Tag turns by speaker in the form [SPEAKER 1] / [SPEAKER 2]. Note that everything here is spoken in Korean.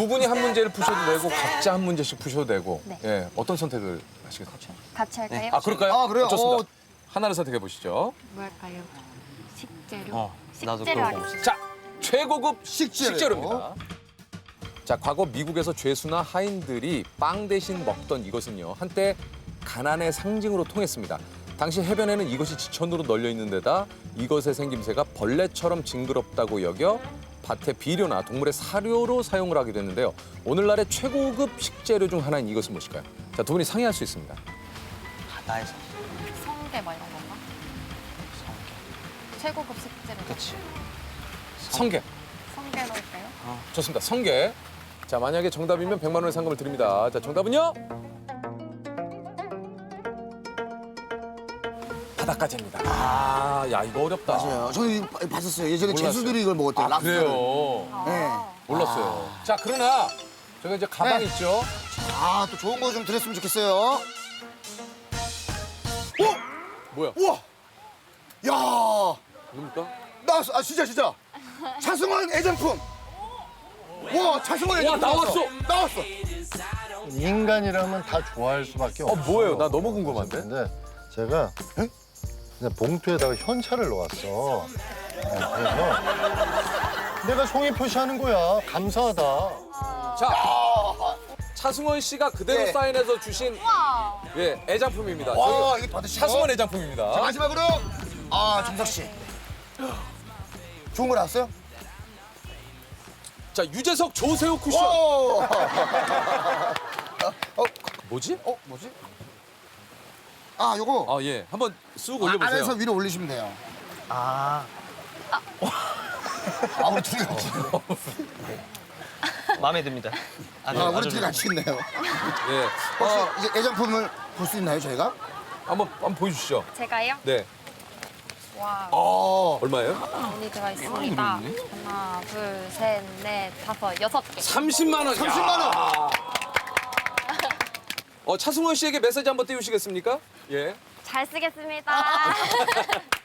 [SPEAKER 1] 두 분이 한 문제를 푸셔도 되고 각자 한 문제씩 푸셔도 되고.
[SPEAKER 2] 네.
[SPEAKER 1] 예, 어떤 선택을 하시겠어요?
[SPEAKER 2] 같이 할까요?
[SPEAKER 1] 아, 그럴까요?
[SPEAKER 3] 아, 그래요?
[SPEAKER 1] 좋습니다. 하나를 선택해 보시죠.
[SPEAKER 2] 뭐 할까요? 식재료?
[SPEAKER 4] 나도
[SPEAKER 2] 식재료
[SPEAKER 4] 그거
[SPEAKER 2] 하겠습니다.
[SPEAKER 1] 자, 최고급
[SPEAKER 3] 식재료.
[SPEAKER 1] 식재료입니다. 자, 과거 미국에서 죄수나 하인들이 빵 대신 먹던 이것은요. 한때 가난의 상징으로 통했습니다. 당시 해변에는 이것이 지천으로 널려 있는 데다 이것의 생김새가 벌레처럼 징그럽다고 여겨 밭의 비료나 동물의 사료로 사용을 하게 됐는데요. 오늘날의 최고급 식재료 중 하나인 이것은 무엇일까요? 자, 두 분이 상의할 수 있습니다.
[SPEAKER 4] 바다에서
[SPEAKER 2] 성게 막 이런 건가? 최고급 식재료.
[SPEAKER 4] 그치.
[SPEAKER 1] 성게.
[SPEAKER 2] 성게 넣을까요?
[SPEAKER 1] 좋습니다. 성게. 자, 만약에 정답이면 100만 원의 상금을 드립니다. 자, 정답은요? 바닷가재입니다. 아, 야, 이거 어렵다.
[SPEAKER 3] 맞아요. 저는 이거 봤었어요. 예전에
[SPEAKER 1] 몰랐어요.
[SPEAKER 3] 제수들이 이걸 먹었대요.
[SPEAKER 1] 아,
[SPEAKER 3] 랍스터를.
[SPEAKER 1] 그래요?
[SPEAKER 3] 네.
[SPEAKER 1] 몰랐어요. 자, 그러나 저희가 이제 가방
[SPEAKER 3] 네.
[SPEAKER 1] 있죠?
[SPEAKER 3] 아, 또 좋은 거 좀 드렸으면 좋겠어요.
[SPEAKER 1] 뭐야?
[SPEAKER 3] 우와! 야,
[SPEAKER 1] 뭡니까?
[SPEAKER 3] 나왔어. 아, 진짜. 차승원 애장품. 와, 차승원 애장품.
[SPEAKER 1] 나왔어.
[SPEAKER 3] 나왔어.
[SPEAKER 5] 인간이라면 다 좋아할 수밖에 없어요.
[SPEAKER 1] 뭐예요? 나 너무 궁금한데?
[SPEAKER 5] 근데 제가 그냥 봉투에다가 현찰을 넣었어. 그래서 내가 송이 표시하는 거야. 감사하다.
[SPEAKER 1] 자, 차승원 씨가 그대로
[SPEAKER 3] 네.
[SPEAKER 1] 사인해서 주신 예, 애장품입니다.
[SPEAKER 3] 와,
[SPEAKER 1] 저희
[SPEAKER 3] 이거 받으시고.
[SPEAKER 1] 차승원
[SPEAKER 3] 자,
[SPEAKER 1] 애장품입니다.
[SPEAKER 3] 마지막으로 정석 씨. 좋은 거 나왔어요?
[SPEAKER 1] 자, 유재석 조세호 쿠션.
[SPEAKER 3] 오!
[SPEAKER 1] 뭐지?
[SPEAKER 3] 뭐지? 아, 요거
[SPEAKER 1] 아, 예. 한번 쑥 올려보세요.
[SPEAKER 3] 안에서 위로 올리시면 돼요.
[SPEAKER 4] 아,
[SPEAKER 3] 우리 둘이 같이.
[SPEAKER 4] 마음에 듭니다.
[SPEAKER 3] 우리 둘이 같이 있네요.
[SPEAKER 1] 예.
[SPEAKER 3] 혹시 이제 애장품을 볼 수 있나요, 저희가?
[SPEAKER 1] 한번 보여주시죠.
[SPEAKER 2] 제가요?
[SPEAKER 1] 네.
[SPEAKER 2] 와,
[SPEAKER 1] 얼마예요?
[SPEAKER 2] 돈이 들어 있습니다. 하나, 둘, 셋, 넷, 다섯, 6개.
[SPEAKER 1] 30만 원.
[SPEAKER 3] 30만 원.
[SPEAKER 1] 차승원 씨에게 메시지 한번 띄우시겠습니까? 예.
[SPEAKER 2] 잘 쓰겠습니다.